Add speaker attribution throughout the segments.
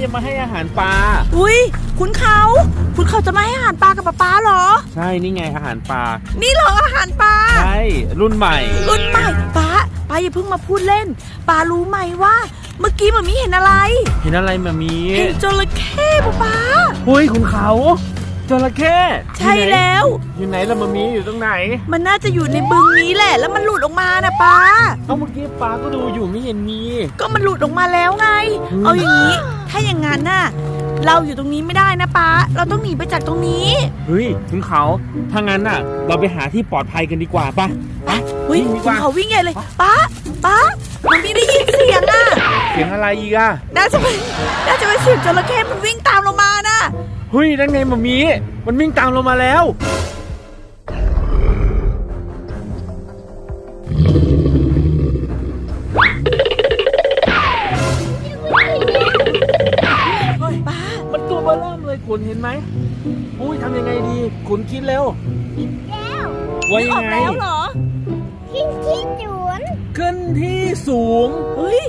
Speaker 1: จะมาให้อาหารปลา
Speaker 2: อุ้ยคุณเขาจะมาให้อาหารปลากับป๊าเหรอ
Speaker 1: ใช่นี่ไงอาหารปลา
Speaker 2: นี่เหรออาหารปลา
Speaker 1: ใช่รุ่นใหม่
Speaker 2: ป๊าอย่าเพิ่งมาพูดเล่นป๊ารู้ไหมว่าเมื่อกี้มันมีเห็นอะไร
Speaker 1: มามี
Speaker 2: เห็นจระเข้ป๊า
Speaker 1: เฮ้ยคุณเขาจระเข้
Speaker 2: ใช่แล้ว
Speaker 1: อยู่ไหนล่ะมามีอยู่ตรงไหน
Speaker 2: มันน่าจะอยู่ในบึงนี้แหละแล้วมันหลุดออกมานะป๊า
Speaker 1: เมื่อกี้ป๊าก็ดูอยู่ไม่เห็นมี
Speaker 2: ก็มันหลุดออกมาแล้วไงเอาอย่างนี้ถ้าอย่างงั้นน่ะเราอยู่ตรงนี้ไม่ได้นะป๊าเราต้องหนีไปจากตรงนี้
Speaker 1: เฮ้ยคุณเขาถ้างั้นน่ะเราไปหาที่ปลอดภัยกันดีกว่าป่ะ
Speaker 2: เฮ้ยคุณเขาวิ่งใหญ่เลยป๊ามันไม่ได้ยินเสียงอ่ะ
Speaker 1: เสียงอะไรอีกอ่ะ
Speaker 2: น่าจะเป็นเสียงจระเข้มันวิ่งตามเรามานะ
Speaker 1: เฮ้ยนั่นไงมามีมันวิ่งตามเรามาแล้ว
Speaker 2: ป้า
Speaker 1: มันตัวเบอร์เริ่มเลยคุณเห็นไหมอุ้ยทำยังไงดีคุณคิดเร็วว่ายังไง
Speaker 2: แล้วเหรอ
Speaker 3: ขึ้นที่สูง
Speaker 1: ขึ้นที่สูง
Speaker 2: เฮ้ย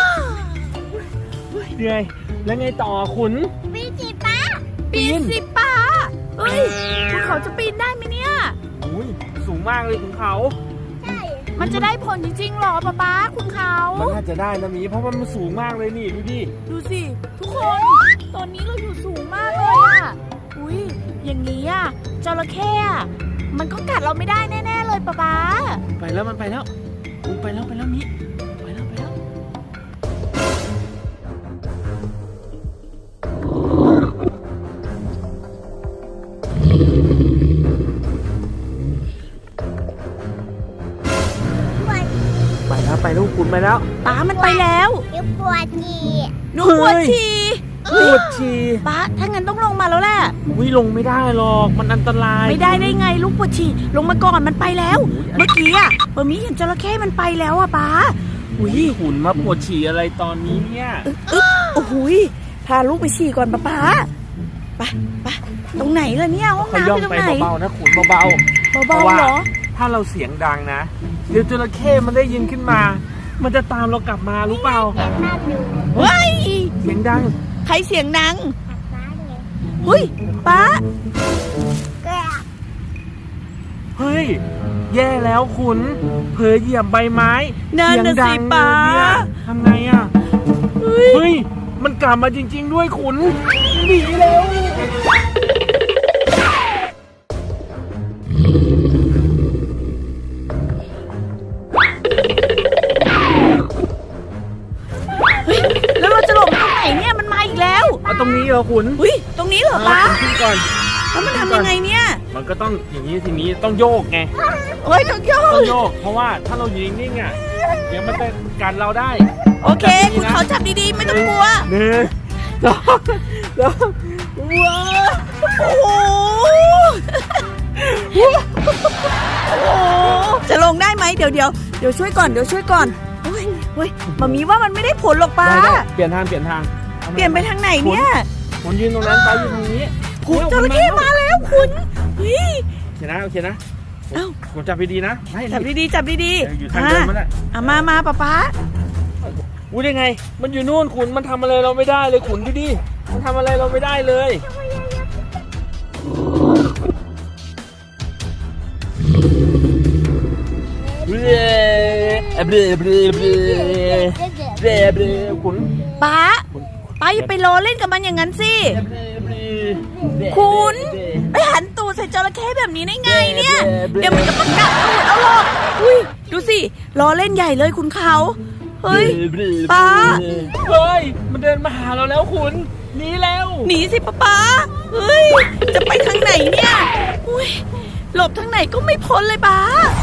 Speaker 1: เหนื่อยแล้วไงต่อคุณ
Speaker 3: ปีนสิป้า
Speaker 2: เฮ้ยคุณเขาจะปีนได้ไหมเนี่ย
Speaker 1: อุ้ยสูงมากเลยคุณเขา
Speaker 3: ใช่
Speaker 2: มันจะได้ผลจริงๆหรอป๊าคุณเขา
Speaker 1: มันน่าจะได้นะมีเพราะมันสูงมากเลยนี่ดู
Speaker 2: สิทุกคนตอนนี้เราอยู่สูงมากเลยอ่ะอุ้ยอย่างนี้อ่ะจระเข้มันก็กัดเราไม่ได้แน่ๆเลยป๊า
Speaker 1: ไปแล้วมันไปแล้วไปแล้วมีไปแล้วไปลูกคุณไปแล้ว
Speaker 2: ป๊ามันไปแล้ว
Speaker 3: ปวดฉี่
Speaker 2: ป๊าถ้างั้นต้องลงมาแล้วแหละ
Speaker 1: ลงไม่ได้หรอกมันอันตราย
Speaker 2: ไม่ได้ไงลูกปวดฉี่ลงมาก่อนมันไปแล้วเมื่อกี้อ่ะมีเห็นจระเข้มันไปแล้วอ่ะป๊า
Speaker 1: ขุนมาปวดฉี่อะไรตอนนี้เนี่ย
Speaker 2: โอ้โหพาลูกไปฉี่ก่อนป๊าไปตรงไหนล่ะเนี่ยห้องน้ำอยู่ตรงไหน
Speaker 1: เบาๆนะขุนเบา
Speaker 2: เหรอ
Speaker 1: ถ้าเราเสียงดังนะเดี๋ยวจระเข้มันได้ยินขึ้นมามันจะตามเรากลับมารู้เปล่า
Speaker 2: เฮ้ย
Speaker 1: เสียงดัง
Speaker 2: ใครเสียงดังเฮ้ยป๊า
Speaker 1: เฮ้ยแย่แล้วคุณเผลอเหยียบใบไม้
Speaker 2: เสียงดัง
Speaker 1: เนี่ยทำไงอ่ะเฮ้ยมันกลับมาจริงๆด้วยคุณหนีแล้ว
Speaker 2: แล้วเราจะหลบตรงไหนเนี่ยมันมาอีกแล้ว
Speaker 1: ตรงนี้เหรอคุณ
Speaker 2: ตรงนี้เหรอป๊า
Speaker 1: ขึ้นก่อน
Speaker 2: แล้วมันทำยังไงเนี่ย
Speaker 1: มันก็ต้องอย่างนี้ทีนี้ต้องโยกไง
Speaker 2: ต้องโย
Speaker 1: กเพราะว่าถ้าเราอยู่นิ่งๆอ่ะเดี๋ยวมันจะกัดเราได้
Speaker 2: โอเคคุณเขาจับดีๆไม่ต้องกลัว
Speaker 1: 2 ว้า
Speaker 2: โอ้จะลงได้ไหมเดี๋ยวช่วยก่อนเฮ้ยมามีว่ามันไม่ได้ผลหรอกป้า
Speaker 1: เปลี่ยนทาง
Speaker 2: เปลี่ยนไปทางไหนเนี่ย
Speaker 1: ผมยืนตรงนั้นป้ายืนตรงนี้
Speaker 2: จระเข้มาแล้วคุณ
Speaker 1: โอเคนะผมจับดีๆนะ
Speaker 2: จับดี
Speaker 1: อยู่ทางเดินมันแหละ
Speaker 2: มาป๊า
Speaker 1: ได้ไงมันอยู่นู่นขุนมันทำอะไรเราไม่ได้เลยขุนดูดิมันทำอะไรเราไม่ได้เลยขุน
Speaker 2: ป๊าอย่าไปล้อเล่นกับมันอย่างนั้นสิคุณไปหันตูดใส่จระเข้แบบนี้ได้ไงเนี่ยเดี๋ยวมันจะมากัดตูดเอาหรอกดูสิล้อเล่นใหญ่เลยคุณเขาเฮ้ยป๊า
Speaker 1: มันเดินมาหาเราแล้วคุณหนี
Speaker 2: สิป๊าเฮ้ยจะไปทางไหนเนี่ยหลบทางไหนก็ไม่พ้นเลยป๊า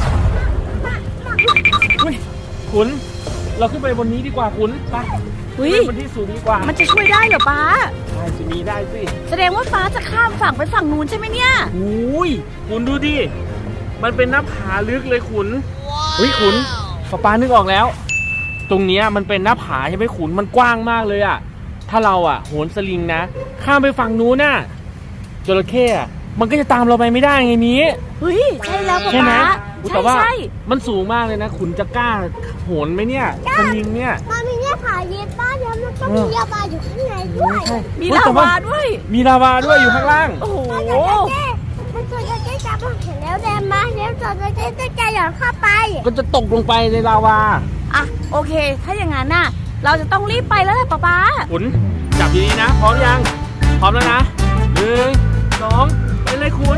Speaker 1: ขุนเราขึ้นไปบนนี้ดีกว่าขุนไปบนที่สูงดีกว่า
Speaker 2: มันจะช่วยได้เหรอป๊า
Speaker 1: ได้จะมีได้สิ
Speaker 2: แสดงว่าป๊าจะข้ามฝั่งไปฝั่งนู้นใช่ไหมเนี่ย
Speaker 1: ขุนดูดิมันเป็นหน้าผาลึกเลยขุนขุนป๊านึกออกแล้วตรงนี้มันเป็นหน้าผาใช่ไหมขุนมันกว้างมากเลยอ่ะถ้าเราโหนสลิงนะข้ามไปฝั่งนู้นน่ะจระเข้มันก็จะตามเราไปไม่ได้ไงมี
Speaker 2: ใช่แล้วป๊า
Speaker 1: แต่ว่ามันสูงมากเลยนะขุนจะกล้าโหนไหมเนี่ยสลิงเนี่ย
Speaker 3: น้าผาเย็นป้าแล้วมันก็มีลาวาอยู่ข้างในด้วย
Speaker 1: ใช่
Speaker 2: มีลาวาด้วย
Speaker 1: มีลาวาด้วยอยู่ข้างล่าง
Speaker 2: โอ้โห
Speaker 3: มันจระเข้จับมันเห็นแล้วแดงมาแล้วจระเข้จะหย่อนเข้าไป
Speaker 1: ก็จะตกลงไปในลาวา
Speaker 2: อ่ะโอเค ถ้าอย่างนั้นน่ะ เราจะต้องรีบไปแล้วแหละป๊า
Speaker 1: ขุนจับดีๆนะ พร้อมยัง พร้อมแล้วนะ1 2ไปเลยขุน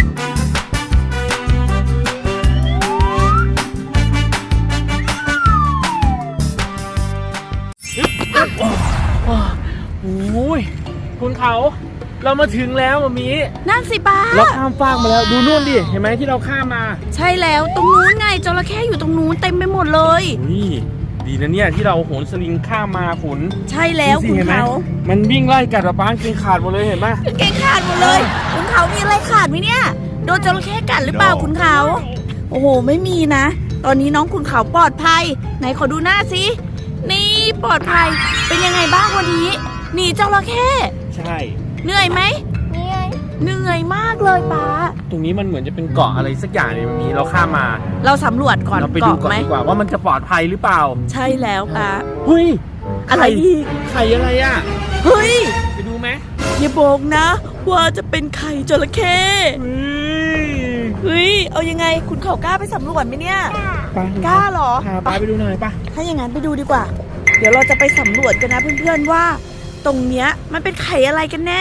Speaker 1: โอ้ยคุณเขา เรามาถึงแล้วมามี
Speaker 2: นั่นสิป๊า
Speaker 1: เราข้ามฟากมาแล้วดูนู่นดิเห็นไหมที่เราข้ามมา
Speaker 2: ใช่แล้วตรงนู้นไงจระเข้อยู่ตรงนู้นเต็มไปหมดเลย
Speaker 1: นี่ดีนะเนี่ยที่เราโหนสลิงข้ามมาขุน
Speaker 2: ใช่แล้ว
Speaker 1: ดูสิ
Speaker 2: คุณ
Speaker 1: ห็นไหม
Speaker 2: เขา
Speaker 1: มันวิ่งไล่กัดป้าเกงขาดหมดเลยเห็นไหม
Speaker 2: เก่งขาดหมดเลย คุณเขามีอะไรขาดไหมเนี่ยโดนจระเข้กัดหรือเปล่าคุณเขาโอ้โหไม่มีนะ ตอนนี้น้องคุณเขาปลอดภัยไหนขอดูหน้าสินี่ปลอดภัยเป็นยังไงบ้างวันนี้หนีจระเข้
Speaker 1: ใช่
Speaker 2: เหนื่อยไหม
Speaker 3: นี่ไง
Speaker 2: เหนื่อยมากเลยป๊า
Speaker 1: ตรงนี้มันเหมือนจะเป็นเกาะอะไรสักอย่างเลยมันมีเราข้ามมา
Speaker 2: เราสำรวจก่อน
Speaker 1: เราไปดู
Speaker 2: เกาะ
Speaker 1: ก่อน
Speaker 2: ไหม
Speaker 1: ดีกว่าว่ามันจะปลอดภัยหรือเปล่า
Speaker 2: ใช่แล้วป๊า
Speaker 1: เฮ้ย
Speaker 2: อะไรอีก
Speaker 1: ไข่อะไรอ่ะ
Speaker 2: เฮ้ย
Speaker 1: ไปดูไหม
Speaker 2: อย่าบอกนะ ว่าจะเป็นไข่จระเข้
Speaker 1: เฮ้ย
Speaker 2: เฮ้ยเอายังไงคุณเขากล้าไปสำรวจไหมเนี่ย
Speaker 1: ไป
Speaker 2: กล้าเหรอ
Speaker 1: พาป้าไปดูหน่อยป่ะ
Speaker 2: ถ้าอย่างนั้นไปดูดีกว่า เดี๋ยวเราจะไปสำรวจกันนะเพื่อนๆว่า ตรงเนี้ยมันเป็นไข่อะไรกันแน่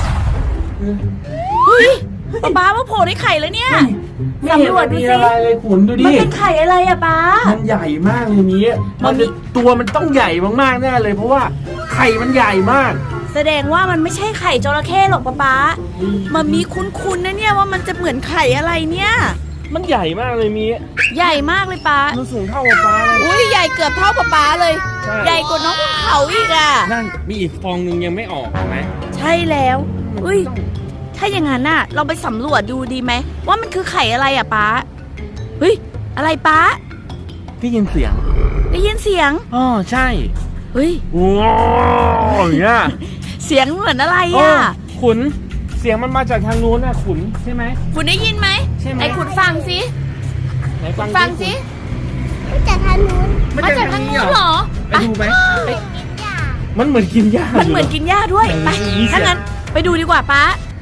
Speaker 2: เฮ้ยป๊าว่าโผล่ได้ไข่แล้วเนี่ย สำรวจดู
Speaker 1: ไม่
Speaker 2: สิ
Speaker 1: เห็นมันมีอะไรเลยขุนดูดิ
Speaker 2: มันเป็นไข่อะไรอะป๊า
Speaker 1: มันใหญ่มากเลยนี้
Speaker 2: มั
Speaker 1: มัน น
Speaker 2: มี
Speaker 1: ตัวมันต้องใหญ่มากๆแน่เลย เพราะว่าไข่มันใหญ่มาก
Speaker 2: แสดงว่ามันไม่ใช่ไข่จระเข้หรอกป๊ามันมีคุ้นๆนะเนี่ยว่ามันจะเหมือนไข่อะไรเนี่ย
Speaker 1: มันใหญ่มากเลยมี
Speaker 2: ใหญ่มากเลยป๊า
Speaker 1: มันสูงเท่ากับป้าเลย
Speaker 2: อุ้ยใหญ่เกือบเท่าป๊าเลย
Speaker 1: ใช่
Speaker 2: ใหญ่กว่าน้องภูเขาอีกอะ
Speaker 1: นั่นมีอีกฟองหนึ่งยังไม่ออกเห็นไหม
Speaker 2: ใช่แล้ว
Speaker 1: มัน
Speaker 2: อุ้ย
Speaker 1: ต้อง
Speaker 2: ถ้าอย่างนั้นน่ะ เราไปสำรวจดูดีไหมว่ามันคือไข่อะไรอะป๊าเฮ้ยอะไรป๊า
Speaker 1: ได้ยินเสียง
Speaker 2: ได้ยินเสียง
Speaker 1: อ๋อใช่
Speaker 2: เฮ้ย
Speaker 1: ว้าวอย่างเงี้ย
Speaker 2: เสียงเหมือนอะไร
Speaker 1: โอ้
Speaker 2: อะ
Speaker 1: ขุนเสียงมันมาจากทางนู้นนะขุนใช่ไหม
Speaker 2: คุณได้ยินไหม
Speaker 1: ใช่ไหม
Speaker 2: ไอ้คุณฟังสิ
Speaker 1: ไหน
Speaker 2: ฟังสิ
Speaker 3: มันจะทางนู้น
Speaker 2: มาจากทางนู้นเหรอ
Speaker 1: ไปดูไหม
Speaker 3: กินหญ้า
Speaker 1: มันเหมือนกินหญ้า
Speaker 2: มันเหมือนกินหญ้าด้วยไป
Speaker 1: มีเสียง
Speaker 2: ถ้างั้นไปดูดีกว่าป๊า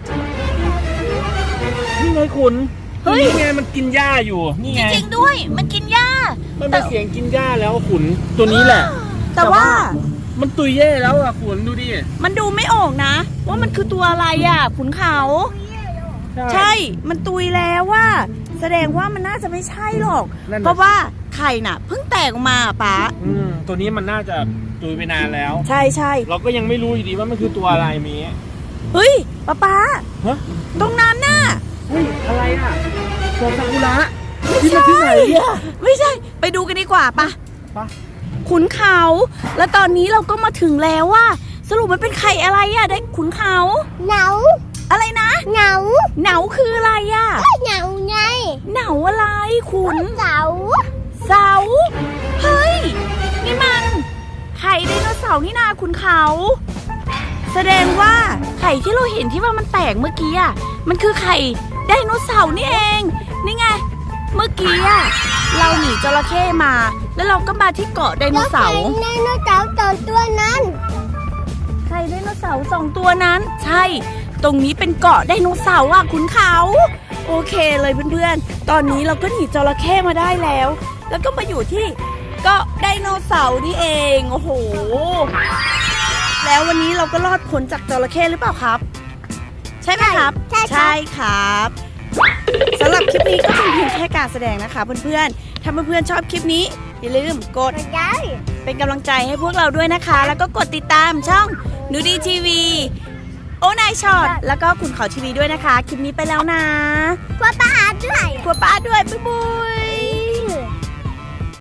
Speaker 1: นี่ไงขุน
Speaker 2: เฮ้ย
Speaker 1: นี่ไงมันกินหญ้าอยู่นี่
Speaker 2: จ
Speaker 1: ไง
Speaker 2: ริงๆด้วย มันกินหญ้า
Speaker 1: มันเป็นเสียงกินหญ้าแล้วขุนตัวนี้แหละ
Speaker 2: แต่ว่า
Speaker 1: มันตุยเย่แล้วอ่ะขุนดูดิ
Speaker 2: มันดูไม่ออกนะ ว่ามันคือตัวอะไรอ่ะขุนเขา ใช่ มันตุยแล้วว่า แสดงว่ามันน่าจะไม่ใช่หรอก
Speaker 1: นั่นน่ะ
Speaker 2: เพราะว่าไข่น่ะเพิ่งแตกออกมาอะป๊า
Speaker 1: ตัวนี้มันน่าจะตุยไปนานแล้ว
Speaker 2: ใช่ใช่
Speaker 1: เราก็ยังไม่รู้อยู่ดีว่ามันคือตัวอะไรมี
Speaker 2: เฮ้ยป๊า
Speaker 1: ฮะ
Speaker 2: ตรงนั้นน่ะ
Speaker 1: เฮ้ยอะไรอ่ะตัวซากุระที่มันที่ไหนเนี่ย
Speaker 2: ไม่ใช่ ไปดูกันดีกว่าปะ
Speaker 1: ไป
Speaker 2: ขุนเขา แล้วตอนนี้เราก็มาถึงแล้วว่า สรุปมันเป็นไข่อะไรอะได้ขุนเขา
Speaker 3: เหงา
Speaker 2: อะไรนะ
Speaker 3: เหงา
Speaker 2: เหนาคืออะไรอะ
Speaker 3: เหงาไง
Speaker 2: เหนาอะไรขุน
Speaker 3: เสา
Speaker 2: เสาเฮ้ย นี่มันไข่ไดโนเสาร์นี่นาขุนเขา แสดงว่าไข่ที่เราเห็นที่ว่ามันแตกเมื่อกี้อะมันคือไข่ไดโนเสาร์นี่เอง นี่ไง เมื่อกี้อะเราหนีจระเข้มา แล้วเราก็มาที่เกาะไดโนเสาร์
Speaker 3: ไดโนเสาร์ตอนตัวนั้น
Speaker 2: ไข่ไดโนเสาร์สองตัวนั้น ใช่ ตรงนี้เป็นเกาะไดโนเสาร์อ่ะคุณเขา โอเคเลยเพื่อนๆ ตอนนี้เราก็หนีจระเข้มาได้แล้ว แล้วก็มาอยู่ที่เกาะไดโนเสาร์นี่เอง โอ้โห แล้ววันนี้เราก็รอดพ้นจากจระเข้หรือเปล่าครับ ใช่ไหมครับ ใช่ครับสำหรับคลิปนี้ก็เป็นเพียงแค่การแสดงนะคะเพื่อนๆถ้าเพื่อนๆชอบคลิปนี้อย่าลืมกด
Speaker 3: ไม่ได้
Speaker 2: เป็นกำลังใจให้พวกเราด้วยนะคะ แล้วก็กดติดตามช่องนูดีทีวีโอนายช็อตแล้วก็คุณเขาทีวีด้วยนะคะ คลิปนี้ไปแล้วนะ
Speaker 3: กลัวป้าด้วย
Speaker 2: กลัวป้าด้วย บ๊ายบาย